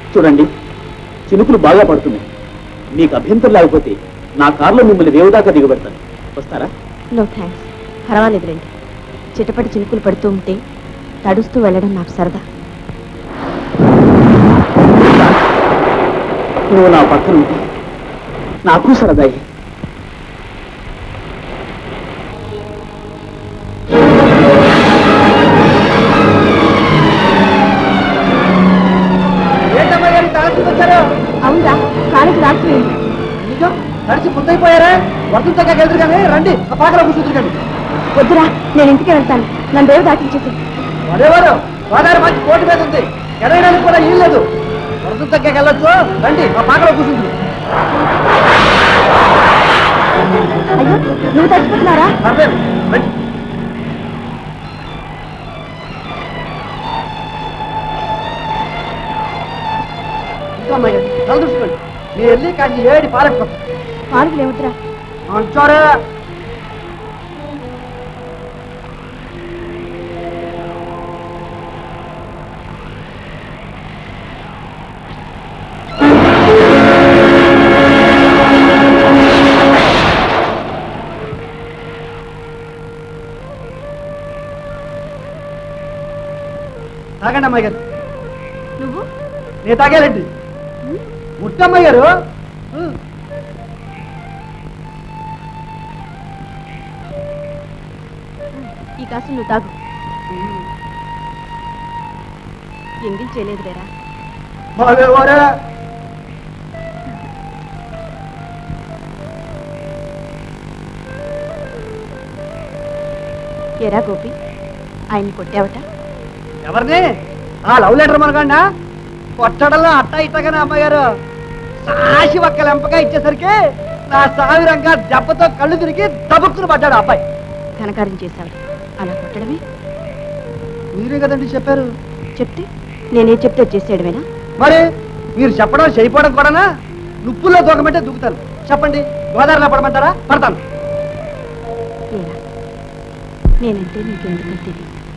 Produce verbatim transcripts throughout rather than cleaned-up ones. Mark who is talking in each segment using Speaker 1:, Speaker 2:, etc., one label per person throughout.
Speaker 1: చూడండి, చినుకులు బాగా పడుతున్నాయి. మీకు అభ్యంతరం లేకపోతే నా కారులో మిమ్మల్ని దేవుదాకా దిగబెడతాను. వస్తారా?
Speaker 2: నో థ్యాంక్స్, పర్వాలేదు రండి. చిటపటి చినుకులు పడుతూ ఉంటే తడుస్తూ వెళ్ళడం నాకు సరదా.
Speaker 1: నువ్వు నా పక్కన ఉంటే నాకు సరదాయి.
Speaker 2: అవునా, కాలేజీ రాకపోయింది.
Speaker 3: తడిచి ముద్దయిపోయారా? వర్షం చక్కగా ఎదురు కానీ రండి, ఆ పాకలో కూర్చుంటారు కానీ.
Speaker 2: వద్దురా, నేను ఇంటికి వెళ్తాను. నన్ను దేవు దాటించేసి.
Speaker 3: మరేవారు గోదావరి మంచి కోటి మీద ఉంది, ఎదగడానికి కూడా ఏం లేదు. వర్షం చక్కగా వెళ్ళొచ్చు, రండి, ఆ పాకలో కూర్చుంటుంది.
Speaker 2: అయ్యో, నువ్వు తడిచిపోతున్నారా?
Speaker 3: పర్లేదు, రండి. ఇంకా అమ్మాయి తల చూసుకోండి. మీరు వెళ్ళి కాసి ఏడి పాలెట్టుకోండి.
Speaker 2: పార్కులు ఏమిట్రా?
Speaker 3: అంటారా? తాగండి అమ్మాయి గారు.
Speaker 2: నువ్వు?
Speaker 3: నేను తాగాలండి. ముట్టమ్మాయి గారు.
Speaker 2: ఈ కాసు నువ్వు తాగు. ఎంగిల్ చేయలేదు వేరా.
Speaker 3: మరేవారా?
Speaker 2: ఎరా గోపి, ఆయన్ని కొట్టావట?
Speaker 3: ఎవరిని? ఆ లవ్ లెటర్ మనకండా కొట్టడంలో అట్ట ఇట్టగానే అమ్మాయి గారు సాసి ఒక్క లెంపగా ఇచ్చేసరికి నా సావిరంగా దెబ్బతో కళ్ళు తిరిగి దబుక్కును పడ్డాడు అబ్బాయి.
Speaker 2: ఘనకార్యం చేశాడు, అలా కొట్టడమే.
Speaker 3: మీరే కదండి చెప్పారు.
Speaker 2: చెప్తే నేనే చెప్తే చేసేయడమేనా?
Speaker 3: మరి మీరు చెప్పడం చేయపోవడం కూడానా? నుప్పుల్లో దూకమంటే దూకుతాను. చెప్పండి, గోదావరిలో పడమంటారా? పడతాను.
Speaker 2: ఏరా, నేనంటే నీకెందుకంటే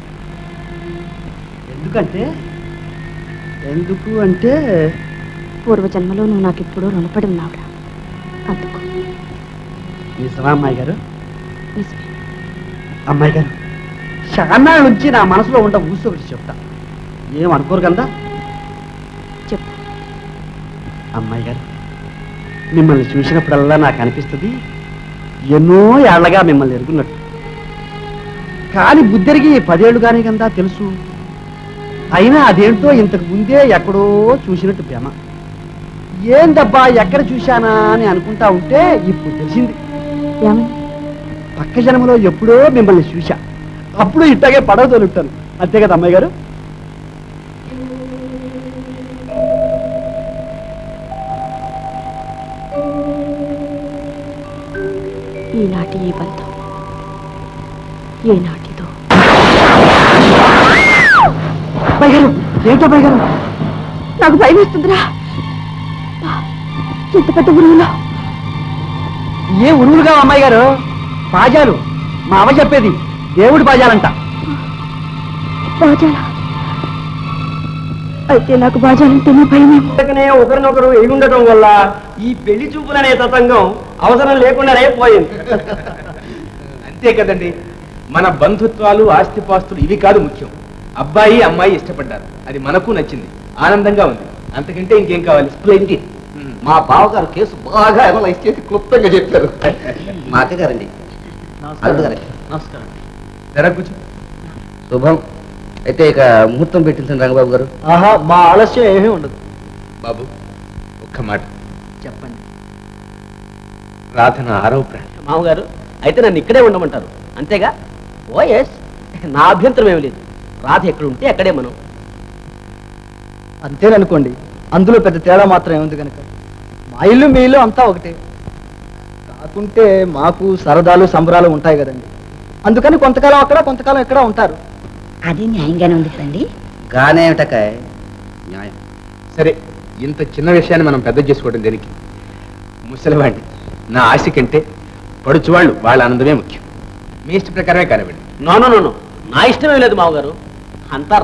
Speaker 3: ఎందుకంటే ఎందుకు అంటే
Speaker 2: పూర్వజన్మలో నువ్వు నాకు ఎప్పుడూ రుణపడి ఉన్నావురా, అందుకు.
Speaker 3: నిజమా అమ్మాయి గారు?
Speaker 2: నిజమే.
Speaker 3: అమ్మాయి గారు, చాలా నుంచి నా మనసులో ఉండ ఊసి ఒకటి చెప్తా, ఏమనుకోరు కదా?
Speaker 2: చెప్పు.
Speaker 3: అమ్మాయి గారు, మిమ్మల్ని చూసినప్పుడల్లా నాకు అనిపిస్తుంది ఎన్నో ఏళ్లగా మిమ్మల్ని ఎరుగున్నట్టు. కానీ బుద్ధెరిగి పదేళ్లు కానీ కదా తెలుసు. అయినా అదేంటో ఇంతకు ముందే ఎక్కడో చూసినట్టు ప్రేమ. ఏందబ్బా ఎక్కడ చూశానా అని అనుకుంటా ఉంటే ఇప్పుడు తెలిసింది. పక్క జన్మలో ఎప్పుడో మిమ్మల్ని చూశా, అప్పుడు ఇట్టాగే పడవ తోలుంటాను. అంతే కదా అమ్మాయి గారు?
Speaker 2: ఈనాటి ఈ బంధం ఏనాటిదో.
Speaker 3: అబ్బాయి గారు, ఏంటో అబ్బాయి గారు?
Speaker 2: నాకు భయం వేస్తుందిరా. ఎంత పెద్ద ఉరువులో.
Speaker 3: ఏ ఉరువులుగా అమ్మాయి గారు? బాజాలు, మా అమ్మ చెప్పేది దేవుడి బాజాలంట.
Speaker 2: బాజాలా? అయితే నాకు బాజాలంటేనే భయమేమో.
Speaker 3: ఒకరినొకరు ఎగుండటం వల్ల ఈ పెళ్లి చూపులనే తతంగం అవసరం లేకుండానే పోయింది.
Speaker 4: అంతే కదండి, మన బంధుత్వాలు ఆస్తిపాస్తులు ఇవి కాదు ముఖ్యం. అబ్బాయి అమ్మాయి ఇష్టపడ్డారు, అది మనకు నచ్చింది, ఆనందంగా ఉంది. అంతకంటే ఇంకేం కావాలి?
Speaker 5: స్ప్లెండిడ్. మా బావగారు కేసు బాగా అనలైజ్ చేసి క్లుప్తంగా చెప్పారు. మా అక్కగారండి.
Speaker 3: నమస్కారం.
Speaker 4: జరా కూర్చో.
Speaker 5: శుభం. అయితే ఇక ముహూర్తం పెట్టించండి రంగబాబు గారు.
Speaker 3: ఆహా, మా ఆలస్యం ఏమీ ఉండదు.
Speaker 4: బాబు, ఒక్క మాట
Speaker 3: చెప్పండి.
Speaker 4: రాధన ఆరవ ప్రాణం.
Speaker 1: మామగారు, అయితే నన్ను ఇక్కడే ఉండమంటారు అంతేగా? ఓ ఎస్, నా అభ్యంతరం ఏమి లేదు. రాధ ఎక్కడ ఉంటే అక్కడే మనం.
Speaker 3: అంతేననుకోండి, అందులో పెద్ద తేడా మాత్రం ఏముంది కనుక. మా ఇల్లు మీ ఇల్లు అంతా ఒకటే. కాకుంటే మాకు సరదాలు సంబరాలు ఉంటాయి కదండి. అందుకని కొంతకాలం అక్కడ కొంతకాలం ఇక్కడ ఉంటారు.
Speaker 6: అది న్యాయంగానే ఉంది కదండి.
Speaker 5: గానేమిటకాయ్ న్యాయం.
Speaker 4: సరే, ఇంత చిన్న విషయాన్ని మనం పెద్ద చేసుకోవడం దేనికి? ముసలివాడిని, నా ఆశ కంటే పడుచువాళ్ళు వాళ్ళ ఆనందమే ముఖ్యం. మీ ఇష్ట ప్రకారమే కానివ్వండి.
Speaker 1: నో నో నో, నా ఇష్టమే లేదు మామగారు. అంతా